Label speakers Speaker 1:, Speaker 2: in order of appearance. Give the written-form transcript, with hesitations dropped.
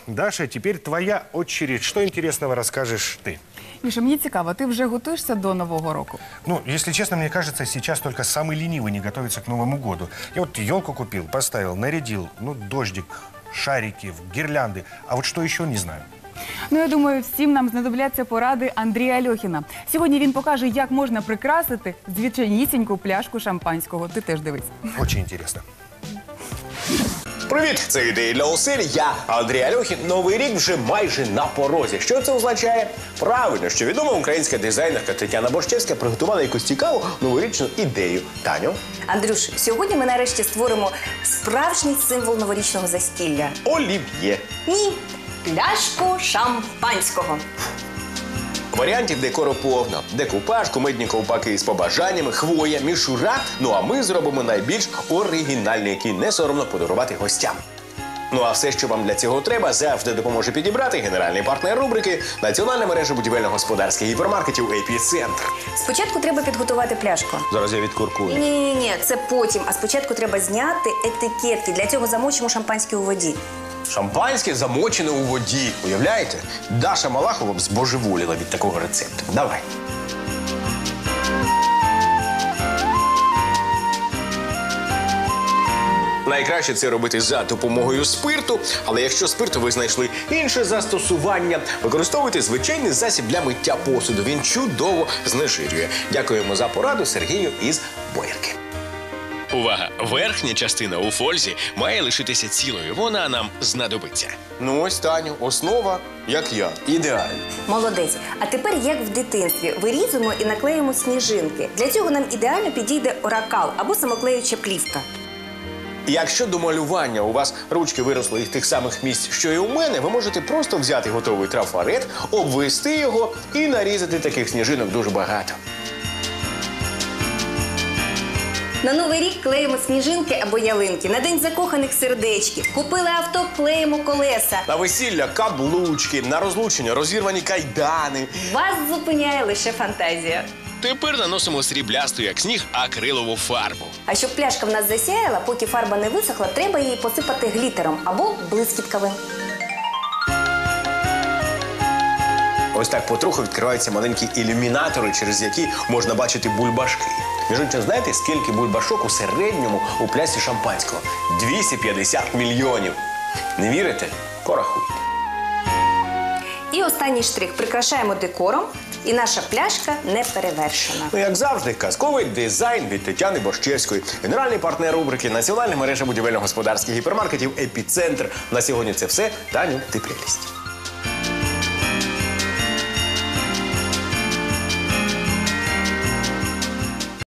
Speaker 1: Даша, теперь твоя очередь. Что интересного расскажешь ты?
Speaker 2: Міша, мені цікаво, ти вже готуєшся до Нового року?
Speaker 1: Ну, если честно, мне кажется, сейчас только самый ленивый не готовится к Новому году. Я вот елку купил, поставил, нарядил, ну, дождик, шарики, гирлянды. А вот что еще, не знаю.
Speaker 2: Ну, я думаю, всім нам знадобляться поради Андрія Альохіна. Сьогодні він покаже, як можна прикрасити звичайнісіньку пляшку шампанського. Ти теж дивись.
Speaker 1: Очень интересно.
Speaker 3: Привіт! Це ідеї для осель. Я Андрій Альохін. Новий рік вже майже на порозі. Що це означає? Правильно, що відома українська дизайнерка Тетяна Борщевська приготувала якусь цікаву новорічну ідею. Таню?
Speaker 4: Андрюш, сьогодні ми нарешті створимо справжній символ новорічного застілля.
Speaker 3: Олів'є.
Speaker 4: Ні, пляшку шампанського.
Speaker 3: Варіантів декору повно. Декупаж, кумедні ковпаки з побажаннями, хвоя, мішура. Ну а ми зробимо найбільш оригінальний, який не соромно подарувати гостям. Ну а все, що вам для цього треба, завжди допоможе підібрати генеральний партнер рубрики Національна мережа будівельно-господарських гіпермаркетів «Епіцентр».
Speaker 4: Спочатку треба підготувати пляшку.
Speaker 3: Зараз я відкуркую.
Speaker 4: Ні, це потім. А спочатку треба зняти етикетки. Для цього замочимо шампанське у воді.
Speaker 3: Шампанське замочене у воді. Уявляєте? Даша Малахова б збожеволіла від такого рецепту. Давай. Найкраще це робити за допомогою спирту, але якщо спирту ви знайшли інше застосування, використовуйте звичайний засіб для миття посуду. Він чудово знежирює. Дякуємо за пораду Сергію із Боярки.
Speaker 5: Увага! Верхня частина у фользі має лишитися цілою. Вона нам знадобиться.
Speaker 3: Ну ось, Таню, основа, як я. Ідеально.
Speaker 4: Молодець. А тепер, як в дитинстві, вирізуємо і наклеїмо сніжинки. Для цього нам ідеально підійде оракал або самоклеюча плівка.
Speaker 3: Якщо до малювання у вас ручки виросли із тих самих місць, що і у мене, ви можете просто взяти готовий трафарет, обвести його і нарізати таких сніжинок дуже багато.
Speaker 4: На Новий рік клеїмо сніжинки або ялинки. На День закоханих сердечки. Купили авто, клеїмо колеса.
Speaker 3: На весілля каблучки, на розлучення розірвані кайдани.
Speaker 4: Вас зупиняє лише фантазія.
Speaker 5: Тепер наносимо сріблясту, як сніг, акрилову фарбу.
Speaker 4: А щоб пляшка в нас засяяла, поки фарба не висохла, треба її посипати глітером або блискітками.
Speaker 3: Ось так потроху відкриваються маленькі ілюмінатори, через які можна бачити бульбашки. Між іншим, знаєте, скільки бульбашок у середньому у плясі шампанського? 250 мільйонів. Не вірите? Порахуйте.
Speaker 4: І останній штрих. Прикрашаємо декором, і наша пляшка не перевершена.
Speaker 3: Ну, як завжди, казковий дизайн від Тетяни Борщевської. Генеральний партнер рубрики Національна мережа будівельно-господарських гіпермаркетів «Епіцентр». На сьогодні це все. Таню, ти прелість.